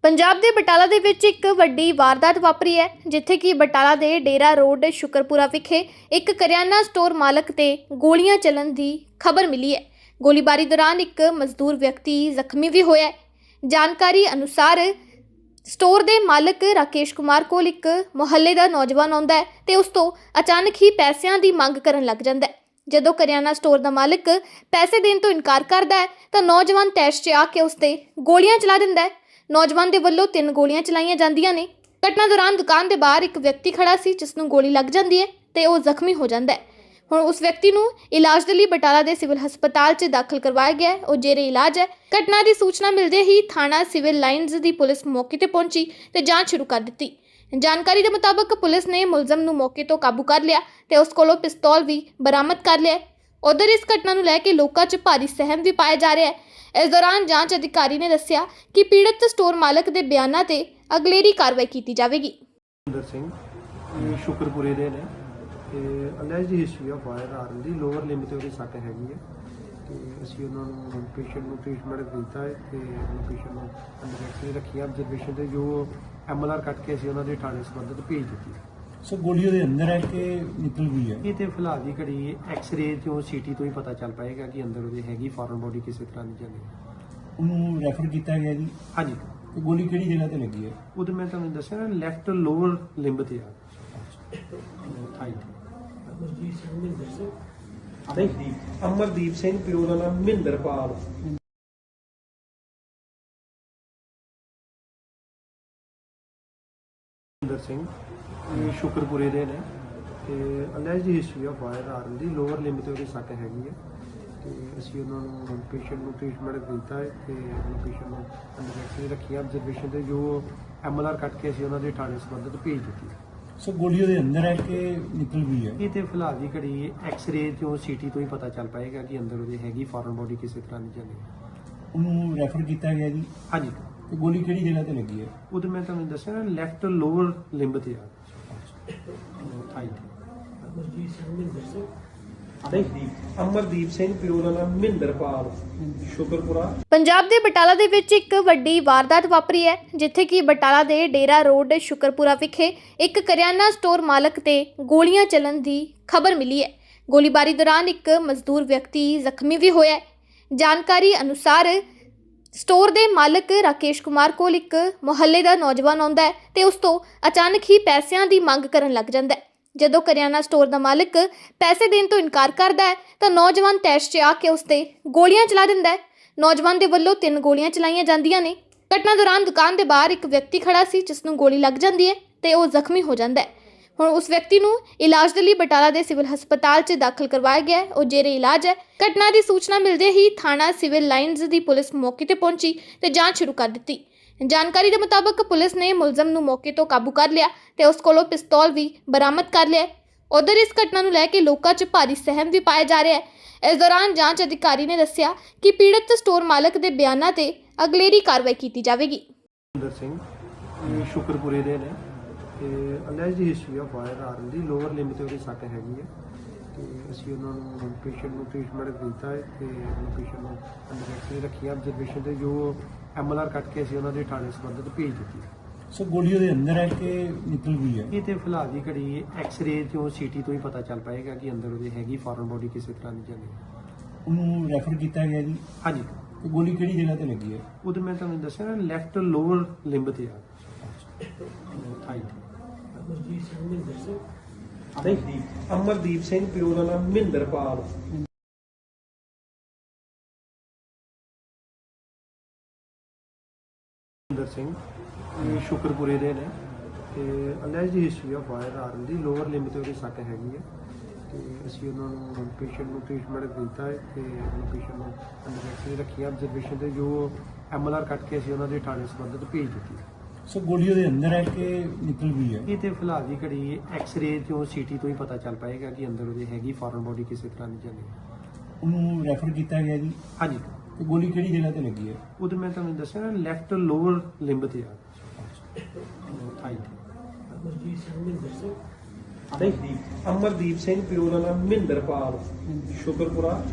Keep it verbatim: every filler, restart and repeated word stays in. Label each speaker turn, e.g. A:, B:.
A: ਪੰਜਾਬ ਦੇ ਬਟਾਲਾ ਦੇ ਵਿੱਚ ਇੱਕ ਵੱਡੀ ਵਾਰਦਾਤ ਵਾਪਰੀ ਹੈ, ਜਿੱਥੇ ਕਿ ਬਟਾਲਾ ਦੇ ਡੇਰਾ ਰੋਡ ਸ਼ੁਕਰਪੁਰਾ ਵਿਖੇ ਇੱਕ ਕਰਿਆਨਾ ਸਟੋਰ ਮਾਲਕ ਤੇ ਗੋਲੀਆਂ ਚੱਲਣ ਦੀ ਖਬਰ ਮਿਲੀ ਹੈ। ਗੋਲੀਬਾਰੀ ਦੌਰਾਨ ਇੱਕ ਮਜ਼ਦੂਰ ਵਿਅਕਤੀ ਜ਼ਖਮੀ ਵੀ ਹੋਇਆ ਹੈ। ਜਾਣਕਾਰੀ ਅਨੁਸਾਰ ਸਟੋਰ ਦੇ ਮਾਲਕ ਰਾਕੇਸ਼ ਕੁਮਾਰ ਕੋਲ ਇੱਕ ਮੁਹੱਲੇ ਦਾ ਨੌਜਵਾਨ ਆਉਂਦਾ ਹੈ ਤੇ ਉਸ ਤੋਂ ਅਚਾਨਕ ਹੀ ਪੈਸਿਆਂ ਦੀ ਮੰਗ ਕਰਨ ਲੱਗ ਜਾਂਦਾ ਹੈ। ਜਦੋਂ ਕਰਿਆਨਾ ਸਟੋਰ ਦਾ ਮਾਲਕ ਪੈਸੇ ਦੇਣ ਤੋਂ ਇਨਕਾਰ ਕਰਦਾ ਹੈ ਤਾਂ ਨੌਜਵਾਨ ਤੈਸ਼ 'ਚ ਆ ਕੇ ਉਸ ਤੇ ਗੋਲੀਆਂ ਚਲਾ ਦਿੰਦਾ ਹੈ। ਨੌਜਵਾਨ ਦੇ ਵੱਲੋਂ ਤਿੰਨ ਗੋਲੀਆਂ ਚਲਾਈਆਂ ਜਾਂਦੀਆਂ ਨੇ। ਘਟਨਾ ਦੌਰਾਨ ਦੁਕਾਨ ਦੇ ਬਾਹਰ ਇੱਕ ਵਿਅਕਤੀ ਖੜਾ ਸੀ, ਜਿਸ ਨੂੰ ਗੋਲੀ ਲੱਗ ਜਾਂਦੀ ਹੈ ਤੇ ਉਹ ਜ਼ਖਮੀ ਹੋ ਜਾਂਦਾ ਹੈ। ਹੁਣ ਉਸ ਵਿਅਕਤੀ ਨੂੰ ਇਲਾਜ ਦੇ ਲਈ ਬਟਾਲਾ ਦੇ ਸਿਵਲ ਹਸਪਤਾਲ 'ਚ ਦਾਖਲ ਕਰਵਾਇਆ ਗਿਆ ਹੈ। ਉਹ ਜੇਰੇ ਇਲਾਜ ਹੈ। ਘਟਨਾ ਦੀ ਸੂਚਨਾ ਮਿਲਦੇ ਹੀ ਥਾਣਾ ਸਿਵਲ ਲਾਈਨਜ਼ ਦੀ ਪੁਲਿਸ ਮੌਕੇ ਤੇ ਪਹੁੰਚੀ ਤੇ ਜਾਂਚ ਸ਼ੁਰੂ ਕਰ ਦਿੱਤੀ। ਜਾਣਕਾਰੀ ਦੇ ਮੁਤਾਬਕ ਪੁਲਿਸ ਨੇ ਮੁਲਜ਼ਮ ਨੂੰ ਮੌਕੇ ਤੋਂ ਕਾਬੂ ਕਰ ਲਿਆ ਤੇ ਉਸ ਕੋਲੋਂ ਪਿਸਤੌਲ ਵੀ ਬਰਾਮਦ ਕਰ ਲਿਆ। ਉਧਰ ਇਸ ਘਟਨਾ ਨੂੰ ਲੈ ਕੇ ਲੋਕਾਂ 'ਚ ਭਾਰੀ ਸਹਿਮ ਵੀ ਪਾਇਆ ਜਾ ਰਿਹਾ ਹੈ। ਇਸ ਦੌਰਾਨ ਜਾਂਚ ਅਧਿਕਾਰੀ ਨੇ ਦੱਸਿਆ ਕਿ ਪੀੜਤ ਸਟੋਰ ਮਾਲਕ ਦੇ ਬਿਆਨਾਂ ਤੇ ਅਗਲੇਰੀ ਕਾਰਵਾਈ ਕੀਤੀ ਜਾਵੇਗੀ।
B: ਸੁੰਦਰ ਸਿੰਘ ਇਹ ਸ਼ੁਕਰਪੁਰੇ ਦੇ ਨੇ ਤੇ ਅਲੈਜ ਦੀ ਹਿਸਟਰੀ ਆਫ ਫਾਇਰ ਆਰਨ ਦੀ ਲੋਅਰ ਲਿੰਬ ਤੇ ਉਹਦੀ ਸੱਟ ਹੈਗੀ ਹੈ ਤੇ ਅਸੀਂ ਉਹਨਾਂ ਨੂੰ ਪੇਸ਼ੈਂਟ ਨੂੰ ਟ੍ਰੀਟਮੈਂਟ ਦਿੱਤਾ ਹੈ ਤੇ ਉਹਨਾਂ ਪੇਸ਼ੈਂਟ ਨੂੰ ਅੰਡਰ ਰੱਖਿਆ ਆਬਜ਼ਰਵੇਸ਼ਨ ਤੇ ਜੋ ਐਮ ਐਲ ਆਰ ਕੱਟ ਕੇ ਅਸੀਂ ਉਹਨਾਂ ਦੇ ਥਾਣੇ ਸੰਬੰਧਿਤ ਭੇਜ ਦਿੱਤੀ।
C: ਸੋ ਗੋਲੀ ਉਹਦੇ ਅੰਦਰ ਹੈ ਕਿ ਨਿਕਲ ਗਈ ਹੈ?
B: ਇਹ ਤੇ ਫਿਲਹਾਲ ਦੀ ਘੜੀ ਐਕਸ-ਰੇ ਤੋਂ ਸੀਟੀ ਤੋਂ ਹੀ ਪਤਾ ਚੱਲ ਪਾਏਗਾ ਕਿ ਅੰਦਰ ਉਹਦੇ ਹੈਗੀ ਫੋਰਨ ਬੋਡੀ ਕਿਸੇ ਤਰ੍ਹਾਂ ਦੀ ਜਾਂ ਨਹੀਂ।
C: ਉਹਨੂੰ ਰੈਫਰ ਕੀਤਾ ਗਿਆ ਜੀ?
B: ਹਾਂਜੀ।
C: ਤੇ ਗੋਲੀ ਕਿਹੜੀ ਜਗ੍ਹਾ ਤੇ ਲੱਗੀ ਹੈ?
B: ਉਹਦੇ ਮੈਂ ਤੁਹਾਨੂੰ ਦੱਸਿਆ ਨਾ, ਲੈਫਟ ਲੋਅਰ ਲਿੰਬ ਤੇ ਆ ਥਾਈ ਤੇ। ਅਮਰਦੀਪ ਸਿੰਘ ਪਿਓ ਦਾ ਨਾਮ ਮਹਿੰਦਰਪਾਲ। ਸੁੰਦਰ ਸਿੰਘ ਇਹ ਸ਼ੁਕਰਪੁਰੇ ਦੇ ਨੇ ਤੇ ਅਲੈਜ ਦੀ ਹਿਸਟਰੀ ਆਫ ਫਾਇਰ ਆਰਨ ਦੀ ਲੋਅਰ ਲਿੰਬ ਤੇ ਉਹਦੀ ਸੱਟ ਹੈਗੀ ਹੈ ਤੇ ਅਸੀਂ ਉਹਨਾਂ ਨੂੰ ਪੇਸ਼ੈਂਟ ਨੂੰ ਟ੍ਰੀਟਮੈਂਟ ਦਿੱਤਾ ਹੈ ਤੇ ਉਹਨਾਂ ਪੇਸ਼ੈਂਟ ਨੂੰ ਅੰਡਰ ਰੱਖਿਆ ਆਬਜ਼ਰਵੇਸ਼ਨ ਤੇ ਜੋ ਐਮ ਐਲ ਆਰ ਕੱਟ ਕੇ ਅਸੀਂ ਉਹਨਾਂ ਦੇ ਥਾਣੇ ਸੰਬੰਧਿਤ ਭੇਜ ਦਿੱਤੀ।
C: ਸੋ ਗੋਲੀ ਉਹਦੇ ਅੰਦਰ ਹੈ ਕਿ ਨਿਕਲ ਗਈ ਹੈ?
B: ਇਹ ਤੇ ਫਿਲਹਾਲ ਦੀ ਘੜੀ ਐਕਸ-ਰੇ ਤੋਂ ਸੀਟੀ ਤੋਂ ਹੀ ਪਤਾ ਚੱਲ ਪਾਏਗਾ ਕਿ ਅੰਦਰ ਉਹਦੇ ਹੈਗੀ ਫੋਰਨ ਬੋਡੀ ਕਿਸੇ ਤਰ੍ਹਾਂ ਦੀ ਜਾਂ ਨਹੀਂ।
C: ਉਹਨੂੰ ਰੈਫਰ ਕੀਤਾ ਗਿਆ ਜੀ?
B: ਹਾਂਜੀ।
C: ਤੇ ਗੋਲੀ ਕਿਹੜੀ ਜਗ੍ਹਾ ਤੇ ਲੱਗੀ ਹੈ?
B: ਉਹਦੇ ਮੈਂ ਤੁਹਾਨੂੰ ਦੱਸਿਆ ਨਾ, ਲੈਫਟ ਲੋਅਰ ਲਿੰਬ ਤੇ ਆ ਥਾਈ ਤੇ। ਅਮਰਦੀਪ ਸਿੰਘ ਪਿਓ ਦਾ ਨਾਮ ਮਹਿੰਦਰਪਾਲ ਸ਼ੁਕਰਪੁਰਾ।
A: ਪੰਜਾਬ ਦੇ ਬਟਾਲਾ ਦੇ ਵਿੱਚ ਇੱਕ ਵੱਡੀ ਵਾਰਦਾਤ ਵਾਪਰੀ ਹੈ, ਜਿੱਥੇ ਕਿ ਬਟਾਲਾ ਦੇ ਡੇਰਾ ਰੋਡ ਸ਼ੁਕਰਪੁਰਾ ਵਿਖੇ ਇੱਕ ਕਰਿਆਨਾ ਸਟੋਰ ਮਾਲਕ ਤੇ ਗੋਲੀਆਂ ਚੱਲਣ ਦੀ ਖਬਰ ਮਿਲੀ ਹੈ। ਗੋਲੀਬਾਰੀ ਦੌਰਾਨ ਇੱਕ ਮਜ਼ਦੂਰ ਵਿਅਕਤੀ ਜ਼ਖਮੀ ਵੀ ਹੋਇਆ ਹੈ। ਜਾਣਕਾਰੀ ਅਨੁਸਾਰ ਸਟੋਰ ਦੇ ਮਾਲਕ ਰਾਕੇਸ਼ ਕੁਮਾਰ ਕੋਲ ਇੱਕ ਮੁਹੱਲੇ ਦਾ ਨੌਜਵਾਨ ਆਉਂਦਾ ਹੈ ਤੇ ਉਸ ਤੋਂ ਅਚਾਨਕ ਹੀ ਪੈਸਿਆਂ ਦੀ ਮੰਗ ਕਰਨ ਲੱਗ ਜਾਂਦਾ ਹੈ। ਜਦੋਂ ਕਰਿਆਨਾ ਸਟੋਰ ਦਾ ਮਾਲਕ ਪੈਸੇ ਦੇਣ ਤੋਂ ਇਨਕਾਰ ਕਰਦਾ ਹੈ ਤਾਂ ਨੌਜਵਾਨ ਤੈਸ਼ 'ਚ ਆ ਕੇ ਉਸ ਤੇ ਗੋਲੀਆਂ ਚਲਾ ਦਿੰਦਾ ਹੈ। ਨੌਜਵਾਨ ਦੇ ਵੱਲੋਂ ਤਿੰਨ ਗੋਲੀਆਂ ਚਲਾਈਆਂ ਜਾਂਦੀਆਂ ਨੇ। ਘਟਨਾ ਦੌਰਾਨ ਦੁਕਾਨ ਦੇ ਬਾਹਰ ਇੱਕ ਵਿਅਕਤੀ ਖੜਾ ਸੀ, ਜਿਸ ਨੂੰ ਗੋਲੀ ਲੱਗ ਜਾਂਦੀ ਹੈ ਤੇ ਉਹ ਜ਼ਖਮੀ ਹੋ ਜਾਂਦਾ ਹੈ। ਹੁਣ ਉਸ ਵਿਅਕਤੀ ਨੂੰ ਇਲਾਜ ਦੇ ਲਈ ਬਟਾਲਾ ਦੇ ਸਿਵਲ ਹਸਪਤਾਲ 'ਚ ਦਾਖਲ ਕਰਵਾਇਆ ਗਿਆ ਹੈ। ਉਹ ਜੇਰੇ ਇਲਾਜ ਹੈ। ਘਟਨਾ ਦੀ ਸੂਚਨਾ ਮਿਲਦੇ ਹੀ ਥਾਣਾ ਸਿਵਲ ਲਾਈਨਜ਼ ਦੀ ਪੁਲਿਸ ਮੌਕੇ ਤੇ ਪਹੁੰਚੀ ਤੇ ਜਾਂਚ ਸ਼ੁਰੂ ਕਰ ਦਿੱਤੀ। ਜਾਣਕਾਰੀ ਦੇ ਮੁਤਾਬਕ ਪੁਲਿਸ ਨੇ ਮੁਲਜ਼ਮ ਨੂੰ ਮੌਕੇ ਤੋਂ ਕਾਬੂ ਕਰ ਲਿਆ ਤੇ ਉਸ ਕੋਲੋਂ ਪਿਸਤੌਲ ਵੀ ਬਰਾਮਦ ਕਰ ਲਿਆ। ਉਧਰ ਇਸ ਘਟਨਾ ਨੂੰ ਲੈ ਕੇ ਲੋਕਾਂ 'ਚ ਭਾਰੀ ਸਹਿਮ ਵੀ ਪਾਇਆ ਜਾ ਰਿਹਾ ਹੈ। ਇਸ ਦੌਰਾਨ ਜਾਂਚ ਅਧਿਕਾਰੀ ਨੇ ਦੱਸਿਆ ਕਿ ਪੀੜਤ ਸਟੋਰ ਮਾਲਕ ਦੇ ਬਿਆਨਾਂ ਤੇ ਅਗਲੇਰੀ ਕਾਰਵਾਈ ਕੀਤੀ ਜਾਵੇਗੀ।
B: ਸੁੰਦਰ ਸਿੰਘ ਇਹ ਸ਼ੁਕਰਪੁਰੇ ਦੇ ਨੇ ਤੇ ਅਲੈਜ ਦੀ ਹਿਸਟਰੀ ਆਫ ਫਾਇਰ ਆਰਨ ਦੀ ਲੋਅਰ ਲਿੰਬ ਤੇ ਉਹਦੀ ਸੱਟ ਹੈਗੀ ਹੈ ਤੇ ਅਸੀਂ ਉਹਨਾਂ ਨੂੰ ਪੇਸ਼ੈਂਟ ਨੂੰ ਟ੍ਰੀਟਮੈਂਟ ਦਿੱਤਾ ਹੈ ਤੇ ਉਹਨਾਂ ਪੇਸ਼ੈਂਟ ਨੂੰ ਅੰਡਰ ਰੱਖਿਆ ਆਬਜ਼ਰਵੇਸ਼ਨ ਤੇ ਜੋ ਐਮ ਐਲ ਆਰ ਕੱਟ ਕੇ ਅਸੀਂ ਉਹਨਾਂ ਦੇ ਥਾਣੇ ਸੰਬੰਧਿਤ ਭੇਜ ਦਿੱਤੀ।
C: ਸੋ ਗੋਲੀ ਉਹਦੇ ਅੰਦਰ ਹੈ ਕਿ ਨਿਕਲ ਗਈ ਹੈ?
B: ਇਹ ਤੇ ਫਿਲਹਾਲ ਦੀ ਘੜੀ ਐਕਸ-ਰੇ ਤੋਂ ਸੀਟੀ ਤੋਂ ਹੀ ਪਤਾ ਚੱਲ ਪਾਏਗਾ ਕਿ ਅੰਦਰ ਉਹਦੇ ਹੈਗੀ ਫੋਰਨ ਬੋਡੀ ਕਿਸੇ ਤਰ੍ਹਾਂ ਦੀ ਜਾਂ ਨਹੀਂ।
C: ਉਹਨੂੰ ਰੈਫਰ ਕੀਤਾ ਗਿਆ ਜੀ? ਹਾਂਜੀ। ਤੇ ਗੋਲੀ ਕਿਹੜੀ ਜਗ੍ਹਾ ਤੇ ਲੱਗੀ ਹੈ?
B: ਉਹਦੇ ਮੈਂ ਤੁਹਾਨੂੰ ਦੱਸਿਆ ਨਾ, ਲੈਫਟ ਲੋਅਰ ਲਿੰਬ ਤੇ ਆ ਥਾਈ ਤੇ। ਅਮਰਦੀਪ ਸਿੰਘ ਪਿਓ ਦਾ ਨਾਮ ਮਹਿੰਦਰਪਾਲ। ਸੁੰਦਰ ਸਿੰਘ ਇਹ ਸ਼ੁਕਰਪੁਰੇ ਦੇ ਨੇ ਤੇ ਅਲੈਜ ਦੀ ਹਿਸਟਰੀ ਆਫ ਫਾਇਰ ਆਰਨ ਦੀ ਲੋਅਰ ਲਿੰਬ ਤੇ ਉਹਦੀ ਸੱਟ ਹੈਗੀ ਹੈ ਤੇ ਅਸੀਂ ਉਹਨਾਂ ਨੂੰ ਪੇਸ਼ੈਂਟ ਨੂੰ ਟ੍ਰੀਟਮੈਂਟ ਦਿੱਤਾ ਹੈ ਤੇ ਉਹਨਾਂ ਪੇਸ਼ੈਂਟ ਨੂੰ ਅੰਡਰ ਰੱਖਿਆ ਆਬਜ਼ਰਵੇਸ਼ਨ ਤੇ ਜੋ ਐਮ ਐਲ ਆਰ ਕੱਟ ਕੇ ਅਸੀਂ ਉਹਨਾਂ ਦੇ ਥਾਣੇ ਸੰਬੰਧਿਤ ਭੇਜ ਦਿੱਤੀ।
C: ਸੋ ਗੋਲੀ ਉਹਦੇ ਅੰਦਰ ਹੈ ਕਿ ਨਿਕਲ ਗਈ ਹੈ?
B: ਇਹ ਤੇ ਫਿਲਹਾਲ ਦੀ ਘੜੀ ਐਕਸ-ਰੇ ਤੋਂ ਸੀਟੀ ਤੋਂ ਹੀ ਪਤਾ ਚੱਲ ਪਾਏਗਾ ਕਿ ਅੰਦਰ ਉਹਦੇ ਹੈਗੀ ਫੋਰਨ ਬੋਡੀ ਕਿਸੇ ਤਰ੍ਹਾਂ ਦੀ ਜਾਂ ਨਹੀਂ।
C: ਉਹਨੂੰ ਰੈਫਰ ਕੀਤਾ ਗਿਆ ਜੀ? ਹਾਂਜੀ। ਤੇ ਗੋਲੀ ਕਿਹੜੀ ਜਗ੍ਹਾ ਤੇ ਲੱਗੀ ਹੈ?
B: ਉਹਦੇ ਮੈਂ ਤੁਹਾਨੂੰ ਦੱਸਿਆ ਨਾ, ਲੈਫਟ ਲੋਅਰ ਲਿੰਬ ਤੇ ਆ ਥਾਈ ਤੇ। ਅਮਰਦੀਪ ਸਿੰਘ ਪਿਓ ਦਾ ਨਾਮ ਮਹਿੰਦਰਪਾਲ ਸ਼ੁਕਰਪੁਰਾ।